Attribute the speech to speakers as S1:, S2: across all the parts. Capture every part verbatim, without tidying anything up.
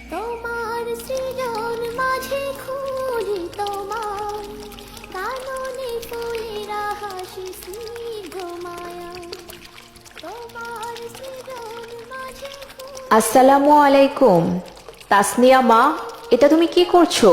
S1: তোমার সৃজন মাঝে খুঁজি তোমার কাননে ফুলেরা হাসি স্নিগ্ধ মায়া তোমার সৃজন মাঝে খুঁজি।
S2: আসসালামু আলাইকুম। তাসনিয়া মা, এটা তুমি কি করছো?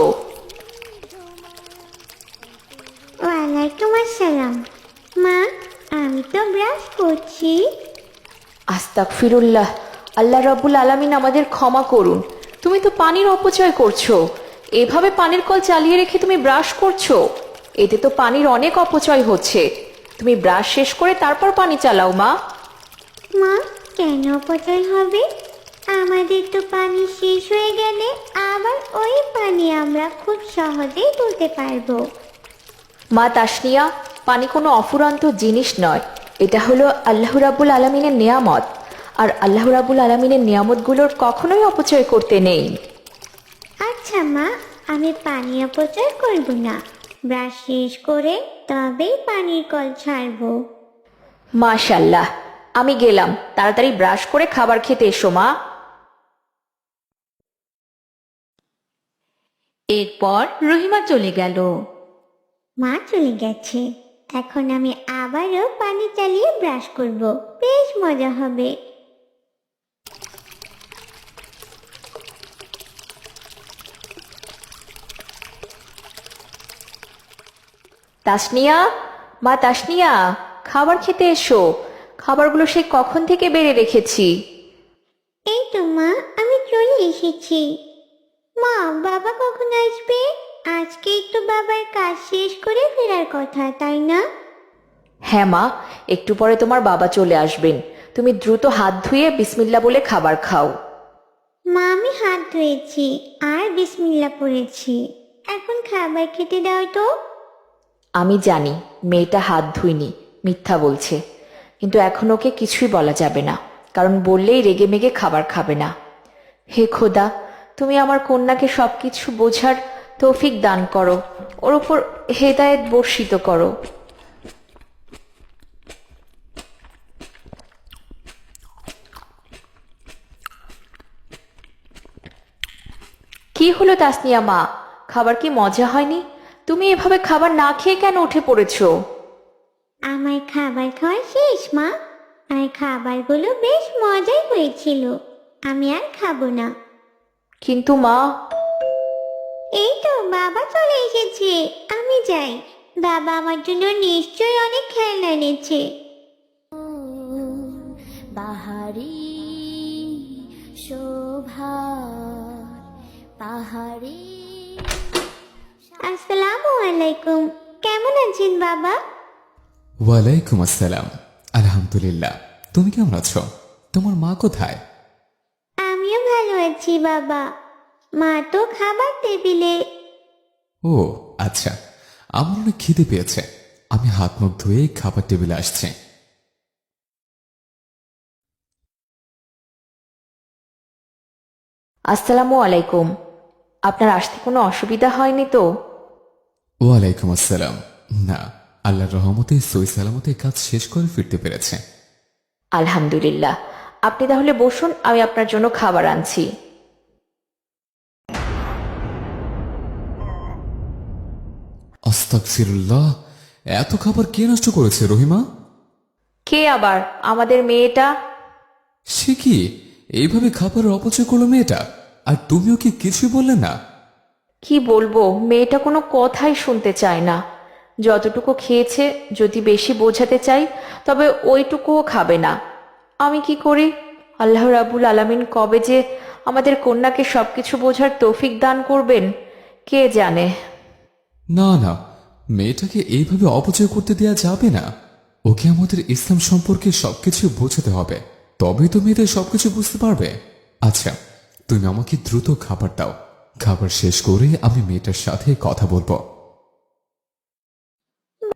S1: ওয়ালাইকুম আসসালাম। মা, আমি তো ব্রাশ করছি।
S2: আস্তাগফিরুল্লাহ, আল্লাহ রাব্বুল আলামিন আমাদের ক্ষমা করুন। তুমি তো পানির অপচয় করছো। এভাবে পানির কল চালিয়ে রেখে তুমি ব্রাশ করছো, এতে তো পানির অনেক অপচয় হচ্ছে। তুমি ব্রাশ শেষ করে তারপর পানি চালাও মা।
S1: মা, কেন অপচয় হবে? আমাদের তো পানি শেষ হয়ে গেলে আবার ওই পানি আমরা খুব সহজেই তুলতে পারবো।
S2: মা তাসনিয়া, পানি কোনো অফুরন্ত জিনিস নয়, এটা হলো আল্লাহ রাব্বুল আলামিনের নেয়ামত। আর আল্লাহ রাব্বুল আলামিনের নিয়ামতগুলোর কখনোই অপচয় করতে নেই।
S1: আচ্ছা মা, আমি পানি অপচয় করব না। ব্রাশ শেষ করে তবেই পানির কল ছাড়বো।
S2: মাশাল্লাহ, আমি গেলাম। তাড়াতাড়ি ব্রাশ করে খাবার খেতে এসো মা।
S3: এরপর রহিমা চলে গেল।
S1: মা চলে গেছে, এখন আমি আবারও পানি চালিয়ে ব্রাশ করব, বেশ মজা হবে।
S2: তাসনিয়া, মা তাসনিয়া, খাবার খেতে এসো। খাবারগুলো সে কখন থেকে বেড়ে রেখেছি।
S1: এই তো মা, আমি চলে এসেছি। মা, বাবা কখন আসবে? আজকেই তো বাবার কাজ শেষ করে ফেরার কথা, তাই না?
S2: হ্যাঁ মা, একটু পরে তোমার বাবা চলে আসবেন। তুমি দ্রুত হাত ধুয়ে বিসমিল্লা বলে খাবার খাও।
S1: মা, আমি হাত ধুয়েছি আর বিসমিল্লাহ পড়েছি। এখন খাবার খেতে দাও তো।
S2: আমি জানি মেয়েটা হাত ধুইনি, মিথ্যা বলছে, কিন্তু এখন ওকে কিছুই বলা যাবে না, কারণ বললেই রেগে মেগে খাবার খাবে না। হে খোদা, তুমি আমার কন্যাকে সবকিছু বোঝার তৌফিক দান করো, ওর উপর হেদায়েত বর্ষিত করো। কি হলো তাসনিয়া মা, খাবার কি মজা হয়নি? তুমি এভাবে খাবার না খেয়ে কেন উঠে পড়েছো?
S1: আমার খাবার খাওয়া শেষ মা, আর খাবারগুলো বেশ মজাই হয়েছিল। আমি আর খাবো না।
S2: কিন্তু মা।
S1: এই তো বাবা চলে এসেছে, আমি যাই। বাবা আমার জন্য নিশ্চয়ই অনেক খেলনা এনেছে। বাহারি শোভা পাহাড়ি। আসসালামু আলাইকুম, কেমন আছেন বাবা?
S4: ওয়ালাইকুম আসসালাম। আলহামদুলিল্লাহ, তুমি কেমন আছো? তোমার মা কোথায়?
S1: আমিও ভালো আছি বাবা, মা তো খাবার টেবিলে।
S4: ও আচ্ছা, আমার অনেক খিদে পেয়েছে, আমি হাত মুখ ধুয়ে খাবার টেবিলে আসছি।
S2: আসসালামু আলাইকুম। আপনার আসতে কোনো অসুবিধা হয়নি তো?
S4: ওয়ালাইকুম আসসালাম। না, আল্লাহর রহমতে সই সালামতে কাজ শেষ করে ফিরতে পেরেছে।
S2: আলহামদুলিল্লাহ। আপনি তাহলে বসুন, আমি আপনার জন্য খাবার আনছি।
S4: আস্তাগফিরুল্লাহ, এত খাবার কে নষ্ট করেছে রহিমা?
S2: কে আবার? আমাদের মেয়েটা।
S4: সে কি এইভাবে খাবারের অপচয় করলো মেয়েটা, আর তুমিও কি কিছুই বললে না?
S2: কি বলবো, মেয়েটা কোনো কথাই শুনতে চায় না। যতটুকু খেয়েছে, যদি বেশি বোঝাতে চাই তবে ওইটুকুও খাবে না। আমি কি করি? আল্লাহ রাব্বুল আলামিন কবে যে আমাদের কন্যাকে সবকিছু বোঝার তৌফিক দান করবেন কে জানে।
S4: না না, মেয়েটাকে এইভাবে অপচয় করতে দেয়া যাবে না। ওকে আমাদের ইসলাম সম্পর্কে সবকিছু বোঝাতে হবে, তবেই তো মেয়েদের সবকিছু বুঝতে পারবে। আচ্ছা, তুমি আমাকে দ্রুত খাবার দাও, খাবার শেষ করে আমি মেয়েটার সাথে কথা বলবো।